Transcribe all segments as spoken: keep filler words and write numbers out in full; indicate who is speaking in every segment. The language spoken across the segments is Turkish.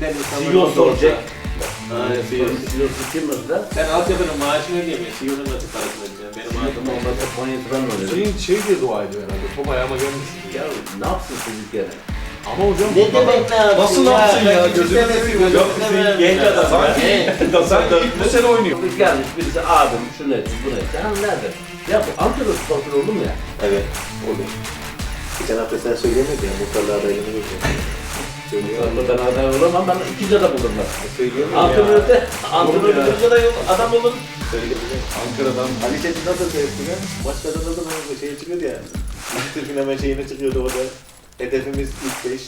Speaker 1: bilen insanlar
Speaker 2: C E O soracak.
Speaker 1: Aynen, C E O.
Speaker 2: C E O kim mesela?
Speaker 1: Ben altyapının maaşını ödeyemem. C E O'nun nasıl parasını ödeyeceğim? Benim maaşım
Speaker 2: Onlar da Konya'sı ben öyle.
Speaker 3: Şeyin şey diye dua ediyor herhalde. Top ayağıma gelmesin diye.
Speaker 2: Ya ne yapsın çocuk yani?
Speaker 3: Ama hocam
Speaker 1: Ne demek ne yapsın
Speaker 3: nasıl ne yapsın ya?
Speaker 1: Ben
Speaker 3: Gözünü seveyim.
Speaker 1: Yok, Hüseyin genç adam.
Speaker 3: Sanki sanki ilk bu sene oynuyor.
Speaker 2: Çocuk gelmiş birisi abim şu ne bu ne? Sen nerede? Ya bu Ankara'da sponsor oldu mu ya?
Speaker 1: Evet, olur. Geçen hafta sen söyleyemedin ya, muhtarlığa adaylığını bekliyorum.
Speaker 2: Sonra ben aday olamam, ben ikinci adam olurum ben.
Speaker 1: Söyleyemiyorum
Speaker 2: Antrenörde, antrenörde
Speaker 3: ya.
Speaker 2: bir adam, adam olur.
Speaker 1: Söyleyebilirim.
Speaker 3: Ankara'dan
Speaker 1: Ali Çetin nasıl seyretti ya? Maç kazanıldı mı? Şey çıkıyordu ya. Türk'ün hemen şeyine çıkıyordu orada. Hedefimiz ilk beş.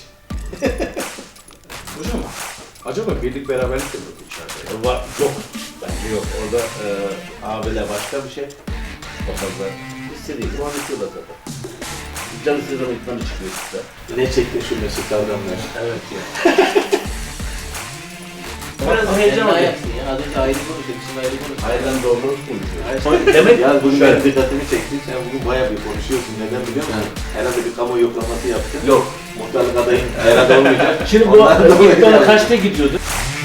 Speaker 3: hocam acaba birlik beraberlik de mi yok içeride? Ya?
Speaker 2: Var, yok. Bence yok. Orada e, abiler başka bir şey. O fazla. İstediği zaman bitiyorlar zaten. Canı istediği zaman itmanı çıkıyor işte.
Speaker 1: Ne çekti şu Mesut Kavramlar?
Speaker 2: Evet ya. Biraz heyecan
Speaker 1: Ne
Speaker 2: oluyor.
Speaker 1: yapsın ya? Az önce ayrı konuşuyorduk, şimdi ayrı konuşuyoruz.
Speaker 2: Hayırdan doğru konuşuyor.
Speaker 1: Demek
Speaker 2: Demek
Speaker 1: ya bugün
Speaker 2: şöyle.
Speaker 1: benim dikkatimi çekti. Sen bugün bayağı bir konuşuyorsun. Neden biliyor musun? Herhalde bir kamu yoklaması yaptın.
Speaker 2: Yok.
Speaker 1: Muhtarlık adayın herhalde olmayacak.
Speaker 2: Şimdi bu
Speaker 1: Ondan dolayı
Speaker 2: ilk bana
Speaker 1: yani.
Speaker 2: kaçta gidiyordu?